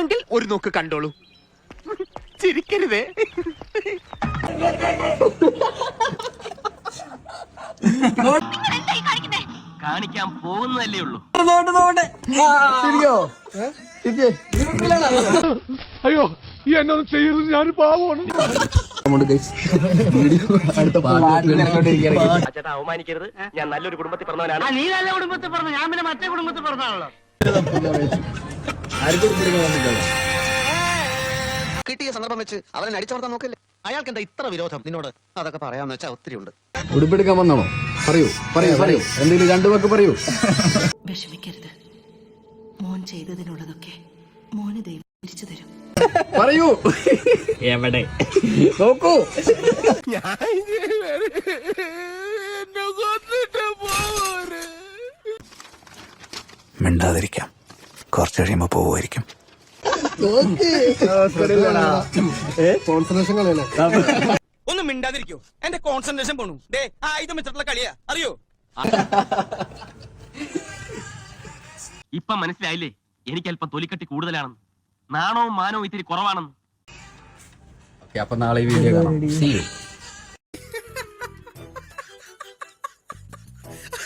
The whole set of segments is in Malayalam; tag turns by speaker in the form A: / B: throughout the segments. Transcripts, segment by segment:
A: വേണമെങ്കിൽ ഒരു നോക്ക് കണ്ടോളൂ. ചിരിക്കരുതേ.
B: കാണിക്കാൻ പോകുന്നതല്ലേ ഉള്ളൂ.
C: അയ്യോ ഈ എന്നൊന്നും ചെയ്യരുത്, ഞാൻ പാവമാണ്.
B: ചേട്ടാ അവമാനിക്കരുത്, ഞാൻ നല്ലൊരു കുടുംബത്തിൽ പറഞ്ഞവനാണ്. നീ നല്ല കുടുംബത്തിൽ പറഞ്ഞു, ഞാൻ പിന്നെ മറ്റേ കുടുംബത്തിൽ പറഞ്ഞാണല്ലോ.
A: കിട്ടിയ സന്ദർഭം വെച്ച് അവനെ അടിച്ചമർത്താൻ നോക്കല്ലേ. അയാൾക്ക് എന്താ ഇത്ര വിരോധം നിന്നോട്? അതൊക്കെ പറയാന്ന് വെച്ചാൽ ഒത്തിരി ഉണ്ട്.
D: ഉടുപ്പെടുക്കാൻ വന്നാണോ? പറയൂ പറയൂ പറയൂ, എന്തെങ്കിലും രണ്ടു വാക്ക് പറയൂ.
E: വിഷമിക്കരുത്, മോൻ ചെയ്തതിനുള്ളതൊക്കെ മോന് ദൈവം തിരിച്ചു തരും.
D: പറയൂ.
B: എവിടെ
D: നോക്കൂ.
F: മിണ്ടാതിരിക്കാം, കുറച്ച് കഴിയുമ്പോ പോവുമായിരിക്കും.
D: കോൺസെൻട്രേഷൻ കളയല്ലേ?
G: ഒന്നും മിണ്ടാതിരിക്കോ, എന്റെ കോൺസെൻട്രേഷൻ പോണു. ആയുധം വെച്ചിട്ടുള്ള കളിയാ, അറിയോ?
B: ഇപ്പൊ മനസ്സിലായില്ലേ എനിക്ക് അല്പം തൊലിക്കട്ടി കൂടുതലാണെന്ന്, നാണവും മാനവും ഇത്തിരി കുറവാണെന്ന്.
D: അപ്പൊ നാളെ ഈ വീഡിയോ കാണാം. See you.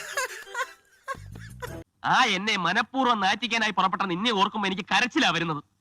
B: ആ എന്നെ മനഃപൂർവ്വം നാറ്റിക്കാനായി പുറപ്പെട്ട നിന്നെ ഓർക്കുമ്പോ എനിക്ക് കരച്ചിലാ വരുന്നത്.